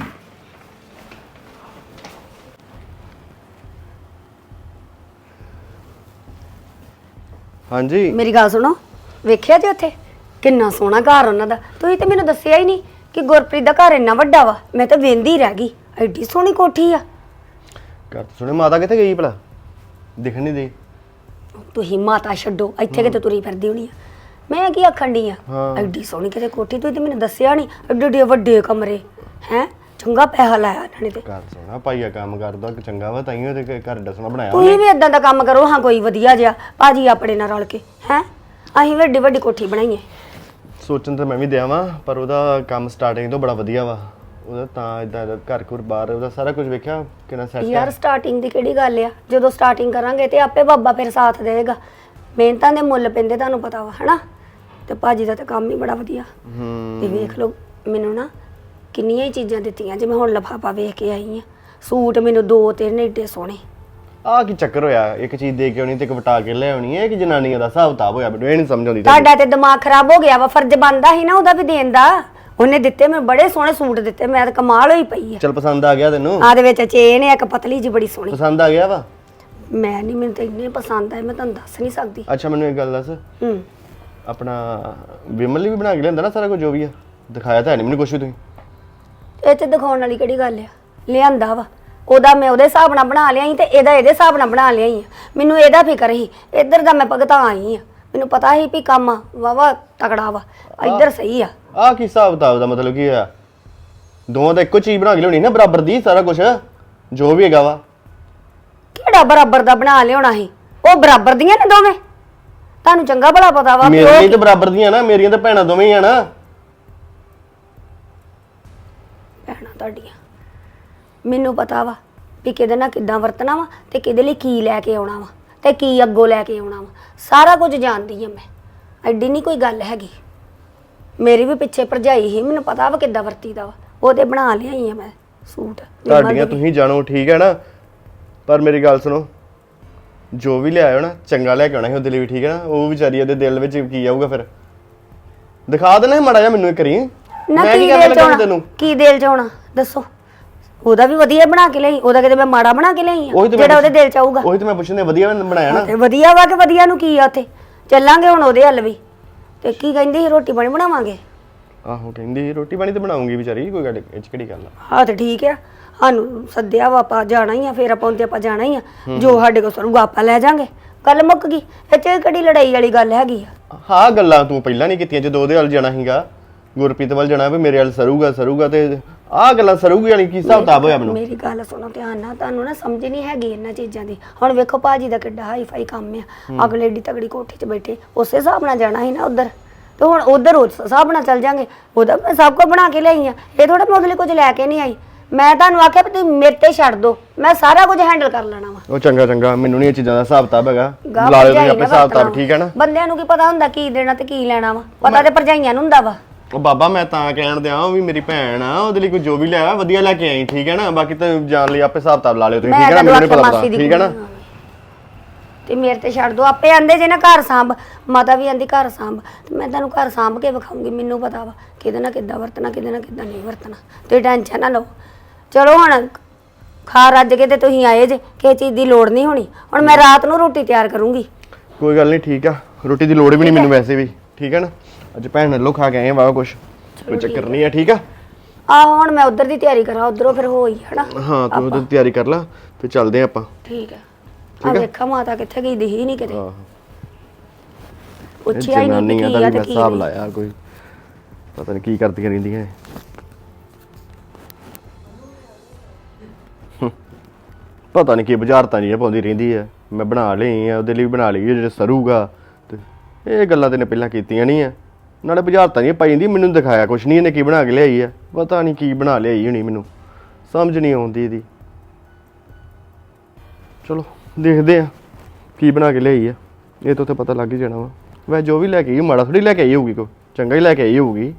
[SPEAKER 4] ਹਾਂਜੀ
[SPEAKER 3] ਮੇਰੀ ਗੱਲ ਸੁਣੋ ਵੇਖਿਆ ਜੀ ਉੱਥੇ ਕਿੰਨਾ ਸੋਹਣਾ ਘਰ ਉਹਨਾਂ ਦਾ ਤੁਸੀਂ ਤੇ ਮੈਨੂੰ ਦੱਸਿਆ ਹੀ ਨਹੀਂ ਕਿ ਗੁਰਪ੍ਰੀਤ ਦਾ ਘਰ ਇੰਨਾ ਵੱਡਾ ਵਾ ਮੈਂ ਤਾਂ ਵੇਂਦੀ ਰਹਿ ਗਈ ਐਡੀ ਸੋਹਣੀ ਕੋਠੀ ਆ
[SPEAKER 4] ਘਰ ਤੋਂ ਸੁਣੇ ਮਾਤਾ ਕਿੱਥੇ ਗਈ ਭਲਾ ਦਿਖਣ ਨਹੀਂ ਦੇ
[SPEAKER 3] ਤੁਸੀਂ ਮਾਤਾ ਛੱਡੋ ਇੱਥੇ ਕਿਤੇ ਤੁਰੀ ਫਿਰਦੀ ਹੋਣੀ ਆ ਮੈਂ ਕੀ ਆਖਣ ਡਈ ਆ
[SPEAKER 4] ਹਾਂ।
[SPEAKER 3] ਐਡੀ ਸੋਹਣੀ ਕਿਤੇ ਕੋਠੀ ਤੁਸੀਂ ਤੇ ਮੈਨੂੰ ਦੱਸਿਆ ਨਹੀਂ ਐਡੇ ਐਡੇ ਵੱਡੇ ਕਮਰੇ ਹੈ ਚੰਗਾ ਪੈਸਾ ਲਾਇਆ ਇਹਨਾਂ ਨੇ ਤੇ
[SPEAKER 4] ਘਰ ਸੋਣਾ ਪਾਈਆ ਕੰਮ ਕਰਦਾ ਕਿ ਚੰਗਾ ਵਾ ਤਾਈਓ ਤੇ ਘਰ ਡਸਣਾ ਬਣਾਇਆ
[SPEAKER 3] ਤੁਸੀਂ ਵੀ ਇਦਾਂ ਦਾ ਕੰਮ ਕਰੋ ਹਾਂ ਕੋਈ ਵਧੀਆ ਜਿਹਾ ਭਾਜੀ ਆਪਣੇ ਨਾਲ ਰਲ ਕੇ ਹੈ ਅਸੀਂ ਵੱਡੀ ਵੱਡੀ ਕੋਠੀ ਬਣਾਈਏ
[SPEAKER 4] ਸੋਚਣ ਤਾਂ ਮੈਂ ਵੀ ਦਿਆਂ ਵਾਂ ਪਰ ਉਹਦਾ ਕੰਮ ਸਟਾਰਟਿੰਗ ਤੋਂ ਬੜਾ ਵਧੀਆ ਵਾ ਉਹਦਾ ਤਾਂ ਇਦਾਂ ਦਾ ਘਰ ਘੁਰ ਬਾਹਰ ਉਹਦਾ ਸਾਰਾ ਕੁਝ ਵੇਖਿਆ ਕਿੰਨਾ ਸੈੱਟ
[SPEAKER 3] ਯਾਰ
[SPEAKER 4] ਹੈ
[SPEAKER 3] ਸਟਾਰਟਿੰਗ ਦੀ ਕਿਹੜੀ ਗੱਲ ਆ ਜਦੋਂ ਸਟਾਰਟਿੰਗ ਕਰਾਂਗੇ ਤੇ ਆਪੇ ਬਾਬਾ ਫਿਰ ਸਾਥ ਦੇਵੇਗਾ ਮਿਹਨਤਾਂ ਦੇ ਮੁੱਲ ਪੈਂਦੇ ਤੁਹਾਨੂੰ ਪਤਾ ਵਾ ਹਨਾ ਤੇ ਭਾਜੀ ਦਾ ਤਾਂ ਕੰਮ ਹੀ ਬੜਾ ਵਧੀਆ
[SPEAKER 4] ਹੂੰ
[SPEAKER 3] ਤੇ ਵੇਖ ਲਓ ਮੈਨੂੰ ਨਾ ਕਿੰਨੀਆਂ ਹੀ ਚੀਜ਼ਾਂ ਦਿੱਤੀਆਂ ਜਿਵੇਂ ਹੁਣ ਲਿਫਾਫਾ ਵੇਖ ਕੇ ਆਈ ਆ ਸੂਟ ਮੈਨੂੰ ਦੋ ਤਿੰਨ ਏਡੇ ਸੋਹਣੇ
[SPEAKER 4] ਆਹ ਕੀ ਚੱਕਰ ਹੋਇਆ ਇੱਕ ਚੀਜ਼ ਦੇ ਕੇ ਆਉਣੀ ਤੇ ਇੱਕ ਵਟਾ ਕੇ ਲੈ ਆਉਣੀ ਹੈ ਕਿ ਜਨਾਨੀਆਂ ਦਾ ਹਿਸਾਬ ਕਿਤਾਬ ਹੋਇਆ ਮੈਨੂੰ ਇਹ ਨਹੀਂ ਸਮਝ ਆਉਂਦੀ
[SPEAKER 3] ਤੁਹਾਡਾ ਤੇ ਦਿਮਾਗ ਖਰਾਬ ਹੋ ਗਿਆ ਵਾ ਫਰਜ਼ ਬਣਦਾ ਸੀ ਨਾ ਉਹਦਾ ਵੀ ਦੇਣ ਦਾ ਉਹਨੇ ਦਿੱਤੇ ਮੈਨੂੰ ਬੜੇ ਸੋਹਣੇ ਸੂਟ ਦਿੱਤੇ ਮੈਂ ਤਾਂ ਕਮਾਲ ਹੋਈ ਪਈ ਆ
[SPEAKER 4] ਚਲ ਪਸੰਦ ਆ ਗਿਆ ਤੈਨੂੰ
[SPEAKER 3] ਆ ਦੇ ਵਿੱਚ ਚੇਨ ਹੈ ਇੱਕ ਪਤਲੀ ਜੀ ਬੜੀ ਸੋਹਣੀ
[SPEAKER 4] ਪਸੰਦ ਆ ਗਿਆ ਵਾ
[SPEAKER 3] ਮੈਂ ਨਹੀਂ ਮੈਨੂੰ ਤਾਂ ਇੰਨੇ ਪਸੰਦ ਆਏ ਮੈਂ ਤੁਹਾਨੂੰ ਦੱਸ ਨਹੀਂ ਸਕਦੀ
[SPEAKER 4] ਅੱਛਾ ਮੈਨੂੰ ਇੱਕ ਗੱਲ ਦੱਸ
[SPEAKER 3] ਹੂੰ
[SPEAKER 4] ਆਪਣਾ ਵਿਮਲ ਲਈ ਵੀ ਬਣਾ ਕੇ ਲਿਆਂਦਾ ਨਾ ਸਾਰਾ ਕੁਝ ਜੋ ਵੀ ਆ ਦਿਖਾਇਆ ਤਾਂ ਹੈ ਨਹੀਂ ਮੈਨੂੰ ਕੁਝ ਵੀ ਤੁਸੀਂ
[SPEAKER 3] ਇਹ ਤੇ ਦਿਖਾਉਣ ਵਾਲੀ ਕਿਹੜੀ ਗੱਲ ਆ ਲਿਆਂਦਾ ਵਾ ਉਹਦਾ ਮੈਂ ਉਹਦੇ ਹਿਸਾਬ ਨਾਲ ਬਣਾ ਲਿਆ ਸੀ ਤੇ ਇਹਦਾ ਇਹਦੇ ਹਿਸਾਬ ਨਾਲ ਬਣਾ ਲਿਆ ਸੀ ਮੈਨੂੰ ਇਹਦਾ ਫਿਕਰ ਸੀ ਇੱਧਰ ਦਾ ਮੈਂ ਭਗਤਾ ਆਈ ਆ ਮੈਨੂੰ ਪਤਾ ਸੀ ਵੀ ਕੰਮ ਵਾਵਾ ਤਕੜਾ ਵਾ ਇੱਧਰ ਸਹੀ ਆ
[SPEAKER 4] ਆਹ ਕੀ ਹਿਸਾਬ ਕਿਤਾਬ ਦਾ ਮਤਲਬ ਕੀ ਆ ਦੋਵਾਂ ਦਾ ਇੱਕੋ ਚੀਜ਼ ਬਣਾ ਕੇ ਲਿਆਉਣੀ ਨਾ ਬਰਾਬਰ ਦੀ ਸਾਰਾ ਕੁਝ ਜੋ ਵੀ ਹੈਗਾ ਵਾ
[SPEAKER 3] ਕਿਹੜਾ ਬਰਾਬਰ ਦਾ ਬਣਾ ਲਿਆਉਣਾ ਸੀ ਉਹ ਬਰਾਬਰ ਦੀਆਂ ਨੇ ਦੋਵੇਂ ਤੁਹਾਨੂੰ ਚੰਗਾ ਭਲਾ ਪਤਾ ਵਾ ਵੀ
[SPEAKER 4] ਮੇਰੇ ਲਈ
[SPEAKER 3] ਉਹ
[SPEAKER 4] ਤਾਂ ਬਰਾਬਰ ਦੀਆਂ ਨਾ ਮੇਰੀਆਂ ਤਾਂ ਭੈਣਾਂ ਦੋਵੇਂ ਹੀ ਆ ਨਾ
[SPEAKER 3] ਭੈਣਾਂ ਤੁਹਾਡੀਆਂ ਮੈਨੂੰ ਪਤਾ ਵਾ ਵੀ ਕਿਹਦੇ ਨਾਲ ਕਿੱਦਾਂ ਵਰਤਣਾ ਵਾ ਤੇ ਕਿਹਦੇ ਲਈ ਕੀ ਲੈ ਕੇ ਆਉਣਾ ਵਾ ਤੇ ਕੀ ਅੱਗੋਂ ਲੈ ਕੇ ਆਉਣਾ ਵਾ ਸਾਰਾ ਕੁਝ ਜਾਣਦੀ ਆ ਮੈਂ ਐਡੀ ਨਹੀਂ ਕੋਈ ਗੱਲ ਹੈਗੀ ਮੇਰੀ ਵੀ ਪਿੱਛੇ ਭਰਜਾਈ ਸੀ ਮੈਨੂੰ ਪਤਾ ਵਾ ਕਿੱਦਾਂ ਵਰਤੀਦਾ ਵਾ ਉਹਦੇ ਬਣਾ ਲਿਆਈ ਆ ਮੈਂ ਸੂਟ
[SPEAKER 4] ਤੁਹਾਡੀਆਂ ਤੁਸੀਂ ਜਾਣੋ ਠੀਕ ਹੈ ਨਾ ਪਰ ਮੇਰੀ ਗੱਲ ਸੁਣੋ ਜੋ ਵੀ ਲਿਆਇਓ ਨਾ ਚੰਗਾ ਲੈ ਕੇ ਆਉਣਾ ਸੀ ਉਹਦੇ ਲਈ ਵੀ ਠੀਕ ਹੈ ਨਾ ਉਹ ਵਿਚਾਰੀ ਉਹਦੇ ਦਿਲ ਵਿੱਚ ਕੀ ਆਊਗਾ ਫਿਰ ਦਿਖਾ ਦੇਣਾ ਸੀ ਮਾੜਾ ਜਿਹਾ ਮੈਨੂੰ ਇੱਕ ਕਰੀ
[SPEAKER 3] ਨਾ
[SPEAKER 4] ਮੈਂ
[SPEAKER 3] ਕੀ
[SPEAKER 4] ਕੀ ਕਰਨ
[SPEAKER 3] ਦਿਲ ਚ
[SPEAKER 4] ਲੱਗਾ
[SPEAKER 3] ਆਉਣਾ
[SPEAKER 4] ਤੈਨੂੰ
[SPEAKER 3] ਕੀ ਦਿਲ ਚ ਆਉਣਾ ਦੱਸੋ ਉਹਦਾ ਵੀ ਵਧੀਆ ਬਣਾ ਕੇ ਲਈ ਉਹਦਾ ਕਿਤੇ ਮੈਂ ਮਾੜਾ ਬਣਾ ਕੇ ਲਈ ਆ
[SPEAKER 4] ਉਹੀ ਤਾਂ ਮੈਂ
[SPEAKER 3] ਜਿਹੜਾ ਉਹਦੇ ਦਿਲ ਚ ਆਊਗਾ
[SPEAKER 4] ਉਹੀ ਤਾਂ ਮੈਂ ਪੁੱਛਣੇ ਵਧੀਆ ਬਣਾਇਆ ਨਾ
[SPEAKER 3] ਤੇ ਵਧੀਆ ਵਾ ਕਿ ਵਧੀਆ ਨੂੰ ਕੀ ਆ ਉੱਥੇ ਚੱਲਾਂਗੇ ਹੁਣ ਉਹਦੇ ਹੱਲ ਵੀ ਤੇ ਕੀ ਕਹਿੰਦੀ ਸੀ ਰੋਟੀ ਪਾਣੀ ਬਣਾਵਾਂਗੇ
[SPEAKER 4] ਆਹੋ ਕਹਿੰਦੀ ਸੀ, ਰੋਟੀ ਪਾਣੀ ਤਾਂ ਬਣਾਉਂਗੀ ਵਿਚਾਰੀ ਕੋਈ ਗੱਲ ਇਹ 'ਚ ਕਿਹੜੀ ਗੱਲ ਆ
[SPEAKER 3] ਹਾਂ ਤੇ ਠੀਕ ਆ ਸਾਨੂੰ ਸੱਦਿਆ ਵਾ ਆਪਾਂ ਜਾਣਾ ਹੀ ਆ ਫਿਰ ਆਪਾਂ ਉਹਦੇ ਆਪਾਂ ਜਾਣਾ ਹੀ ਆ ਜੋ ਸਾਡੇ ਕੋਲ ਸਰੂਗਾ ਆਪਾਂ ਲੈ ਜਾਾਂਗੇ ਗੱਲ ਮੁੱਕ ਗਈ ਇਹ ਚ ਕਿਹੜੀ ਲੜਾਈ ਵਾਲੀ ਗੱਲ ਹੈਗੀ ਆ
[SPEAKER 4] ਹਾਂ ਗੱਲਾਂ ਤੂੰ ਪਹਿਲਾਂ ਨਹੀਂ ਕੀਤੀਆਂ ਜਦੋਂ ਉਹਦੇ ਵੱਲ ਜਾਣਾ ਸੀਗਾ ਗੁਰਪ੍ਰੀਤ ਵੱਲ ਜਾਣਾ ਵੀ ਮੇਰੇ ਵੱਲ ਸਰੂਗਾ ਸਰੂਗਾ ਤੇ ਆਹ ਗੱਲਾਂ ਸਰੂਗੀ ਵਾਲੀ ਕੀ ਹਿਸਾਬ ਕਿਤਾਬ ਹੋਇਆ ਮੈਨੂੰ
[SPEAKER 3] ਮੇਰੀ ਗੱਲ ਸੁਣੋ ਧਿਆਨ ਨਾਲ ਤੁਹਾਨੂੰ ਨਾ ਸਮਝ ਨਹੀਂ ਹੈਗੀ ਇਹਨਾਂ ਚੀਜ਼ਾਂ ਦੀ ਹੁਣ ਵੇਖੋ ਭਾਜੀ ਦਾ ਕਿੱਡਾ ਹਾਈ ਫਾਈ ਕੰਮ ਆ ਅਗਲੇ ਏਡੀ ਤਗੜੀ ਕੋਠੀ 'ਚ ਬੈਠੇ ਉਸੇ ਹਿਸਾਬ ਨਾਲ ਜਾਣਾ ਸੀ ਨਾ ਉਧਰ ਤੇ ਹੁਣ ਉਧਰ ਉਸ ਹਿਸਾਬ ਨਾਲ ਚੱਲ ਜਾਾਂਗੇ ਉਹਦਾ ਮੈਂ ਸਭ ਕੁਝ ਬਣਾ ਕੇ ਲਿਆਈ ਆ ਇਹ ਥੋੜਾ ਮੋਦਲੇ ਕੁਝ ਲੈ ਕੇ ਨਹੀਂ ਆਈ ਮੈਂ ਤੁਹਾਨੂੰ ਆਖਿਆ ਵੀ ਤੁਸੀਂ ਮੇਰੇ ਤੇ ਛੱਡ ਦੋ ਮੈਂ ਸਾਰਾ ਕੁਝ ਹੈਂਡਲ ਕਰ ਲੈਣਾ ਵਾ
[SPEAKER 4] ਉਹ ਚੰਗਾ ਚੰਗਾ ਮੈਨੂੰ ਨਹੀਂ ਇਹ ਚੀਜ਼ਾਂ ਦਾ ਹਿਸਾਬ ਕਿਤਾਬ ਹੈਗਾ
[SPEAKER 3] ਗਾਹ
[SPEAKER 4] ਲਾ ਲਿਓ ਤੁਸੀਂ
[SPEAKER 3] ਭਰਜਾਈ
[SPEAKER 4] ਆਪੇ
[SPEAKER 3] ਨਾ
[SPEAKER 4] ਹਿਸਾਬ ਕਿਤਾਬ
[SPEAKER 3] ਵਰਤਣਾ
[SPEAKER 4] ਠੀਕ ਹੈ ਨਾ
[SPEAKER 3] ਬੰਦਿਆਂ ਨੂੰ ਕੀ ਪਤਾ ਹੁੰਦਾ ਕੀ ਦੇਣਾ ਤੇ ਕੀ ਲੈਣਾ ਵਾ ਪਤਾ ਤੇ ਭਰਜਾਈਆਂ ਨੂੰ ਹੁੰਦਾ ਵਾ
[SPEAKER 4] ਉਹ ਬਾਬਾ ਮੈਂ ਤਾਂ ਕਹਿਣ ਦਿਆਂ ਉਹ ਵੀ ਮੇਰੀ ਭੈਣ ਆ ਉਹਦੇ ਲਈ ਕੋਈ ਜੋ ਵੀ ਲਿਆ ਵਧੀਆ ਲੈ ਕੇ ਆਈ ਠੀਕ ਹੈ ਨਾ ਬਾਕੀ ਤਾਂ ਜਾਣ ਲਈ ਆਪੇ ਹਿਸਾਬ ਕਿਤਾਬ ਲਾ ਲਿਓ ਤੁਸੀਂ ਠੀਕ ਹੈ ਨਾ ਮੈਨੂੰ ਨਹੀਂ ਪਤਾ ਪਤਾ ਠੀਕ ਹੈ ਨਾ
[SPEAKER 3] ਤੇ ਮੇਰੇ ਤੇ ਛੱਡ ਦੋ ਆਪੇ ਆਂਦੇ ਜੇ ਨਾ ਘਰ ਸਾਂਭ ਮਾਤਾ ਵੀ ਆਂਦੀ ਘਰ ਸਾਂਭ ਤੇ ਮੈਂ ਤੁਹਾਨੂੰ ਘਰ ਸਾਂਭ ਕੇ ਵਿਖਾਉਂਗੀ ਮੈਨੂੰ ਪਤਾ ਵਾ ਕਿਹਦੇ ਨਾਲ ਕਿੱਦਾਂ ਵਰਤਣਾ ਕਿਹਦੇ ਨਾਲ ਕਿੱਦਾਂ ਨਹੀਂ ਵਰਤਣਾ ਤੇ ਟੈਨਸ਼ਨ ਨਾ ਲਓ ਚਲੋ ਹੁਣ ਖਾ ਰੱਜ ਕੇ ਤੇ ਤੁਸੀਂ ਆਏ ਜੇ ਕਿਸੇ ਚੀਜ਼ ਦੀ ਲੋੜ ਨਹੀਂ ਹੋਣੀ ਹੁਣ ਮੈਂ ਰਾਤ ਨੂੰ ਰੋਟੀ ਤਿਆਰ ਕਰੂੰਗੀ
[SPEAKER 4] ਕੋਈ ਗੱਲ ਨਹੀਂ ਠੀਕ ਆ ਰੋਟੀ ਦੀ ਲੋੜ ਵੀ ਨਹੀਂ ਮੈਨੂੰ ਵੈਸੇ ਵੀ ਠੀਕ ਹੈ ਨਾ ਅੱਜ ਭੈਣ ਨਾਲੋਂ ਖਾ ਕੇ ਆਏ ਵਾਹ ਕੁਛ ਕੋਈ ਚੱਕਰ ਨਹੀਂ ਆ ਠੀਕ ਆ
[SPEAKER 3] ਆ ਹੁਣ ਮੈਂ ਉਧਰ ਦੀ ਤਿਆਰੀ ਕਰਾਂ ਉਧਰੋਂ ਫਿਰ ਹੋਈ ਹਨਾ
[SPEAKER 4] ਹਾਂ ਤੂੰ ਉਹਦੀ ਤਿਆਰੀ ਕਰ ਲੈ ਤੇ ਚੱਲਦੇ ਆਪਾਂ
[SPEAKER 3] ਠੀਕ ਹੈ ਆ ਵੇਖਾ ਮਾਤਾ ਕਿੱਥੇ ਗਈ ਦਿਖੀ ਨਹੀਂ ਕਿਤੇ
[SPEAKER 4] ਆਹੋ
[SPEAKER 3] ਪੁੱਛਿਆ ਹੀ ਨਹੀਂ ਵੀ
[SPEAKER 4] ਜਨਾਨੀਆਂ
[SPEAKER 3] ਕੀ
[SPEAKER 4] ਦਾ
[SPEAKER 3] ਆ
[SPEAKER 4] ਵੀ
[SPEAKER 3] ਤੇ ਕੀ
[SPEAKER 4] ਹਿਸਾਬ
[SPEAKER 3] ਨਹੀਂ
[SPEAKER 4] ਲਾਇਆ ਕੋਈ ਪਤਾ ਨਹੀਂ ਕੀ ਕਰਦੀਆਂ ਰਹਿੰਦੀਆਂ ਇਹ। ਹੂੰ। ਪਤਾ ਨਹੀਂ ਕੀ ਬੁਝਾਰਤਾਂ ਨਹੀਂ ਪਾਉਂਦੀ ਰਹਿੰਦੀ ਹੈ ਮੈਂ ਬਣਾ ਲਈ ਆ ਉਹਦੇ ਲਈ ਬਣਾ ਲਈ ਜਿਹੜੇ ਸਰੂਗਾ ਤੇ ਇਹ ਗੱਲਾਂ ਤੇ ਨੇ ਪਹਿਲਾਂ ਕੀਤੀਆਂ ਨਹੀਂ ਆ ਨਾਲੇ ਬੁਝਾਰਤਾਂ ਨਹੀਂ ਪਾਈ ਜਾਂਦੀ ਮੈਨੂੰ ਦਿਖਾਇਆ ਕੁਛ ਨਹੀਂ ਇਹਨੇ ਕੀ ਬਣਾ ਕੇ ਲਿਆਈ ਆ ਪਤਾ ਨਹੀਂ ਕੀ ਬਣਾ ਲਿਆਈ ਹੋਣੀ ਮੈਨੂੰ ਸਮਝ ਨਹੀਂ ਆਉਂਦੀ ਇਹਦੀ ਚਲੋ ਦੇਖਦੇ ਆ ਕੀ ਬਣਾ ਕੇ ਲਿਆਈ ਆ ਇਹ ਤਾਂ ਉੱਥੇ ਪਤਾ ਲੱਗ ਹੀ ਜਾਣਾ ਵਾ ਵੈ ਜੋ ਵੀ ਲੈ ਕੇ ਆਈ ਮਾੜਾ ਥੋੜੀ ਲੈ ਕੇ ਆਈ ਹੋਊਗੀ ਕੋ ਚੰਗਾ ਹੀ ਲੈ ਕੇ ਆਈ ਹੋਊਗੀ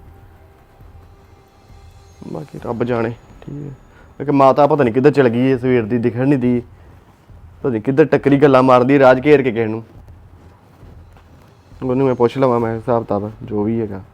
[SPEAKER 4] ਬਾਕੀ ਰੱਬ ਜਾਣੇ ਠੀਕ ਹੈ ਕਿ ਮਾਤਾ ਪਤਾ ਨਹੀਂ ਕਿੱਧਰ ਚਲ ਗਈ ਹੈ ਸਵੇਰ ਦੀ ਦਿਖਣ ਨਹੀਂ ਦੀ ਪਤਾ ਨਹੀਂ ਕਿੱਧਰ ਟੱਕਰੀ ਗੱਲਾਂ ਮਾਰਦੀ ਰਾਜ ਘੇਰ ਕੇ ਕਿਸੇ ਨੂੰ ਉਹਨੂੰ ਮੈਂ ਪੁੱਛ ਲਵਾਂ ਮੈਂ ਹਿਸਾਬ ਕਿਤਾਬ ਜੋ ਵੀ ਹੈਗਾ